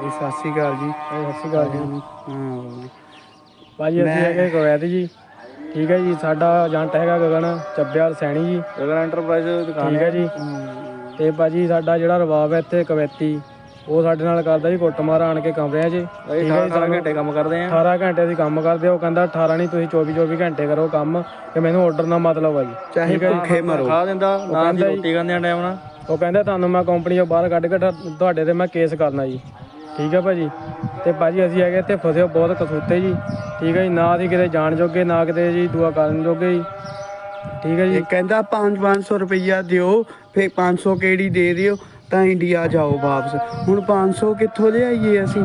ਸਤਿ ਸ਼੍ਰੀ ਅਕਾਲ ਜੀ। ਸਤਿ ਸ਼੍ਰੀ ਅਕਾਲ ਜੀ। ਹਾਂ ਭਾਜੀ ਅਸੀਂ ਹੈਗੇ ਕਵੈਤ ਜੀ। ਠੀਕ ਹੈ ਜੀ। ਸਾਡਾ ਏਜੰਟ ਹੈਗਾ ਗਗਨ ਚੱਬਿਆਲ ਸੈਣੀ ਜੀ, ਗਗਨ ਐਂਟਰਪ੍ਰਾਈਜ਼ ਦੁਕਾਨ ਠੀਕ ਹੈ ਜੀ। ਤੇ ਭਾਜੀ ਸਾਡਾ ਜਿਹੜਾ ਰਵਾਬ ਹੈ ਇੱਥੇ ਕਵੈਤੀ, ਉਹ ਸਾਡੇ ਨਾਲ ਕਰਦਾ ਜੀ ਕੁੱਟਮਾਰ ਆਣ ਕੇ ਕਮਰਿਆਂ 'ਚ। ਠੀਕ ਹੈ ਜੀ। 18 ਘੰਟੇ ਕੰਮ ਕਰਦੇ ਆ। 18 ਘੰਟੇ ਅਸੀਂ ਕੰਮ ਕਰਦੇ। ਉਹ ਕਹਿੰਦਾ 18 ਨਹੀਂ, ਤੁਸੀਂ 24 ਘੰਟੇ ਕਰੋ ਕੰਮ, ਕਿ ਮੈਨੂੰ ਔਡਰ ਨਾਲ ਮਤਲਬ ਆ ਜੀ। ਚਾਹੇ ਠੀਕ ਹੈ ਭੁੱਖੇ ਮਰੋ। ਖਾ ਦਿੰਦਾ ਨਾ, ਅਸੀਂ ਰੋਟੀ ਖਾਂਦੇ ਆ ਟਾਈਮ ਨਾਲ। ਉਹ ਕਹਿੰਦਾ ਤੁਹਾਨੂੰ ਮੈਂ ਕੰਪਨੀ 'ਚੋਂ ਬਾਹਰ ਕੱਢ ਕੇ ਤੁਹਾਡੇ 'ਤੇ ਮੈਂ ਕੇਸ ਕਰਨਾ ਜੀ। ਠੀਕ ਹੈ ਭਾਜੀ। ਤੇ ਭਾਜੀ ਅਸੀਂ ਹੈਗੇ ਇੱਥੇ ਫਸੇ ਬਹੁਤ ਕਸੂਤੇ ਜੀ। ਠੀਕ ਹੈ ਜੀ। ਨਾ ਅਸੀਂ ਕਿਤੇ ਜਾਣ ਜੋਗੇ, ਨਾ ਕਿਤੇ ਜੀ ਦੁਆ ਕਰਨ ਜੋਗੇ ਜੀ। ਠੀਕ ਹੈ ਜੀ। ਕਹਿੰਦਾ 500 ਰੁਪਈਆ ਦਿਓ, ਫਿਰ 500 ਕਿਹੜੀ ਦੇ ਦਿਓ ਤਾਂ ਇੰਡੀਆ ਜਾਓ ਵਾਪਸ। ਹੁਣ 500 ਕਿੱਥੋਂ ਲਿਆਈਏ ਅਸੀਂ?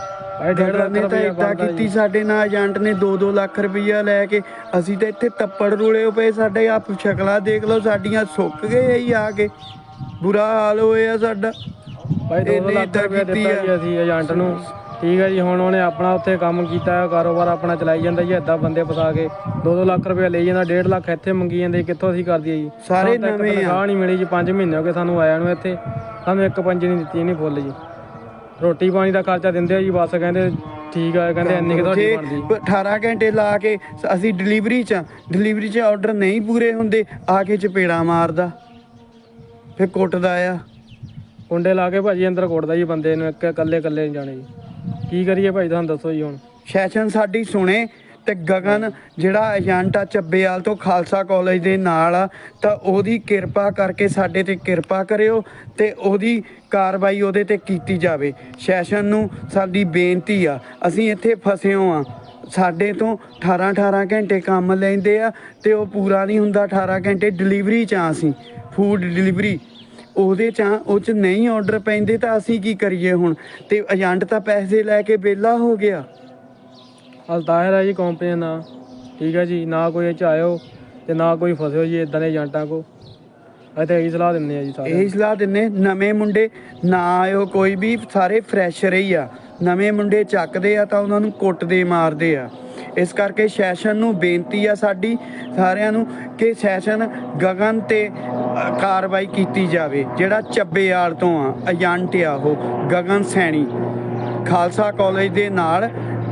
ਗਗਨ ਨੇ ਤਾਂ ਏਦਾਂ ਕੀਤੀ ਸਾਡੇ ਨਾਲ, ਏਜੰਟ ਨੇ 2-2 ਲੱਖ ਰੁਪਈਆ ਲੈ ਕੇ। ਅਸੀਂ ਤਾਂ ਇੱਥੇ ਤੱਪੜ ਰੁਲੇ ਪਏ, ਸਾਡੇ ਆਪ ਸ਼ਕਲਾਂ ਦੇਖ ਲਓ ਸਾਡੀਆਂ, ਸੁੱਕ ਗਏ ਹੀ ਆ ਕੇ, ਬੁਰਾ ਹਾਲ ਹੋਇਆ ਸਾਡਾ। ਭਾਈ 2 ਲੱਖ ਰੁਪਇਆ ਦਿੱਤਾ ਜੀ ਅਸੀਂ ਏਜੰਟ ਨੂੰ। ਠੀਕ ਹੈ ਜੀ। ਹੁਣ ਉਹਨੇ ਆਪਣਾ ਉੱਥੇ ਕੰਮ ਕੀਤਾ, ਕਾਰੋਬਾਰ ਆਪਣਾ ਚਲਾਈ ਜਾਂਦਾ ਜੀ। ਇੱਦਾਂ ਬੰਦੇ ਫਸਾ ਕੇ 2-2 ਲੱਖ ਰੁਪਇਆ ਲਈ ਜਾਂਦਾ, 1.5 ਲੱਖ ਇੱਥੇ ਮੰਗੀ ਜਾਂਦੇ। ਕਿੱਥੋਂ ਅਸੀਂ ਕਰ ਦਈਏ ਜੀ? ਸਾਰੇ ਨਵੇਂ ਤਨਖਾਹ ਨਹੀਂ ਮਿਲੀ ਜੀ, 5 ਮਹੀਨੇ ਹੋ ਗਏ ਸਾਨੂੰ ਆਇਆ ਨੂੰ ਇੱਥੇ। ਸਾਨੂੰ 1 ਪੰਜੀ ਨਹੀਂ ਦਿੱਤੀ ਇਹਨੇ ਫੁੱਲ ਜੀ। ਰੋਟੀ ਪਾਣੀ ਦਾ ਖਰਚਾ ਦਿੰਦੇ ਆ ਜੀ, ਬਸ ਕਹਿੰਦੇ ਠੀਕ ਆ, ਕਹਿੰਦੇ ਇੰਨੀ ਕੁ ਤੁਹਾਡੀ ਬਣਦੀ। 18 ਘੰਟੇ ਲਾ ਕੇ ਅਸੀਂ ਡਿਲੀਵਰੀ 'ਚ ਆਰਡਰ ਨਹੀਂ ਪੂਰੇ ਹੁੰਦੇ, ਆ ਕੇ ਚਪੇੜਾ ਮਾਰਦਾ, ਫਿਰ ਕੁੱਟਦਾ ਆ। ਕੁੰਡੇ ਲਾ ਕੇ ਭਾਜੀ ਅੰਦਰ ਕੁੱਟਦਾ ਜੀ ਬੰਦੇ ਨੂੰ, ਇਕੱਲੇ ਨਹੀਂ ਜਾਣੇ ਜੀ। ਕੀ ਕਰੀਏ ਭਾਈ, ਤੁਹਾਨੂੰ ਦੱਸੋ ਜੀ ਹੁਣ। ਸੈਸ਼ਨ ਸਾਡੀ ਸੁਣੇ ਤੇ ਗਗਨ ਜਿਹੜਾ ਏਜੰਟ ਆ ਚੱਬੇਵਾਲ ਤੋਂ, ਖਾਲਸਾ ਕਾਲਜ ਦੇ ਨਾਲ ਆ, ਤਾਂ ਉਹਦੀ ਕਿਰਪਾ ਕਰਕੇ ਸਾਡੇ ਤੇ ਕਿਰਪਾ ਕਰਿਓ ਤੇ ਉਹਦੀ ਕਾਰਵਾਈ ਉਹਦੇ ਤੇ ਕੀਤੀ ਜਾਵੇ। ਸੈਸ਼ਨ ਨੂੰ ਸਾਡੀ ਬੇਨਤੀ ਆ, ਅਸੀਂ ਇੱਥੇ ਫਸੇ ਆ। ਸਾਡੇ ਤੋਂ 18 ਘੰਟੇ ਕੰਮ ਲੈਂਦੇ ਆ ਤੇ ਉਹ ਪੂਰਾ ਨਹੀਂ ਹੁੰਦਾ। 18 ਘੰਟੇ ਡਿਲੀਵਰੀ 'ਚ ਆ, ਅਸੀਂ ਫੂਡ ਡਿਲੀਵਰੀ ਉਹਦੇ 'ਚ ਆ, ਉਹ 'ਚ ਨਹੀਂ ਆਰਡਰ ਪੈਂਦੇ ਤਾਂ ਅਸੀਂ ਕੀ ਕਰੀਏ ਹੁਣ? ਤੇ ਏਜੰਟ ਤਾਂ ਪੈਸੇ ਲੈ ਕੇ ਵਿਹਲਾ ਹੋ ਗਿਆ। ਅਲਤਾਹਿਰ ਹੈ ਜੀ ਕੰਪਨੀ ਨਾ। ਠੀਕ ਹੈ ਜੀ। ਨਾ ਕੋਈ ਇਹ 'ਚ ਆਇਓ ਤੇ ਨਾ ਕੋਈ ਫਸਿਓ ਜੀ ਇੱਦਾਂ ਦੇ ਏਜੰਟਾਂ ਕੋ। ਅਸੀਂ ਤਾਂ ਇਹੀ ਸਲਾਹ ਦਿੰਦੇ ਆ ਜੀ ਸਾਰੇ। ਇਹੀ ਸਲਾਹ ਦਿੰਦੇ, ਨਵੇਂ ਮੁੰਡੇ ਨਾ ਆਇਓ ਕੋਈ ਵੀ, ਸਾਰੇ ਫਰੈਸ਼ਰ ਹੀ ਆ। ਨਵੇਂ ਮੁੰਡੇ ਚੱਕਦੇ ਆ ਤਾਂ ਉਹਨਾਂ ਨੂੰ ਕੁੱਟਦੇ ਮਾਰਦੇ ਆ। ਇਸ ਕਰਕੇ ਸੈਸ਼ਨ ਨੂੰ ਬੇਨਤੀ ਆ ਸਾਡੀ ਸਾਰਿਆਂ ਨੂੰ ਕਿ ਸੈਸ਼ਨ ਗਗਨ 'ਤੇ ਕਾਰਵਾਈ ਕੀਤੀ ਜਾਵੇ। ਜਿਹੜਾ ਚੱਬੇਵਾਲ ਤੋਂ ਆ, ਏਜੰਟ ਆ ਉਹ ਗਗਨ ਸੈਣੀ, ਖਾਲਸਾ ਕਾਲਜ ਦੇ ਨਾਲ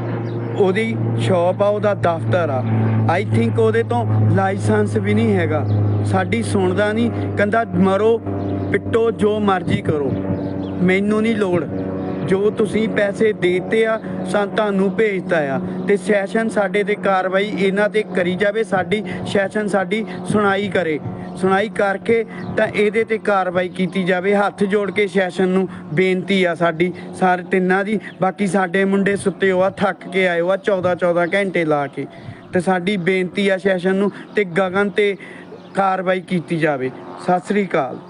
ਉਹਦੀ ਸ਼ੌਪ ਆ, ਉਹਦਾ ਦਫ਼ਤਰ ਆ। ਆਈ ਥਿੰਕ ਉਹਦੇ ਤੋਂ ਲਾਇਸੈਂਸ ਵੀ ਨਹੀਂ ਹੈਗਾ। ਸਾਡੀ ਸੁਣਦਾ ਨਹੀਂ, ਕਹਿੰਦਾ ਮਰੋ ਪਿੱਟੋ ਜੋ ਮਰਜ਼ੀ ਕਰੋ, ਮੈਨੂੰ ਨਹੀਂ ਲੋੜ। ਜੋ ਤੁਸੀਂ ਪੈਸੇ ਦੇਤੇ ਆ ਤੁਹਾਨੂੰ ਭੇਜਤਾ ਆ। ਤੇ ਸੈਸ਼ਨ ਸਾਡੇ ਤੇ ਕਾਰਵਾਈ ਇਹਨਾਂ ਤੇ ਕਰੀ ਜਾਵੇ। ਸਾਡੀ ਸੈਸ਼ਨ ਸਾਡੀ ਸੁਣਾਈ ਕਰੇ, ਸੁਣਾਈ ਕਰਕੇ ਤਾਂ ਇਹਦੇ ਤੇ ਕਾਰਵਾਈ ਕੀਤੀ ਜਾਵੇ। ਹੱਥ ਜੋੜ ਕੇ ਸੈਸ਼ਨ ਨੂੰ ਬੇਨਤੀ ਆ ਸਾਡੀ, ਸਾਰੇ ਤਿੰਨਾਂ ਦੀ। ਬਾਕੀ ਸਾਡੇ ਮੁੰਡੇ ਸੁੱਤੇ ਹੋ ਆ, ਥੱਕ ਕੇ ਆਏ ਹੋ ਆ 14 ਘੰਟੇ ਲਾ ਕੇ। ਤੇ ਸਾਡੀ ਬੇਨਤੀ ਆ ਸੈਸ਼ਨ ਨੂੰ ਤੇ ਗਗਨ ਤੇ ਕਾਰਵਾਈ ਕੀਤੀ ਜਾਵੇ। ਸਤਿ ਸ੍ਰੀ ਅਕਾਲ।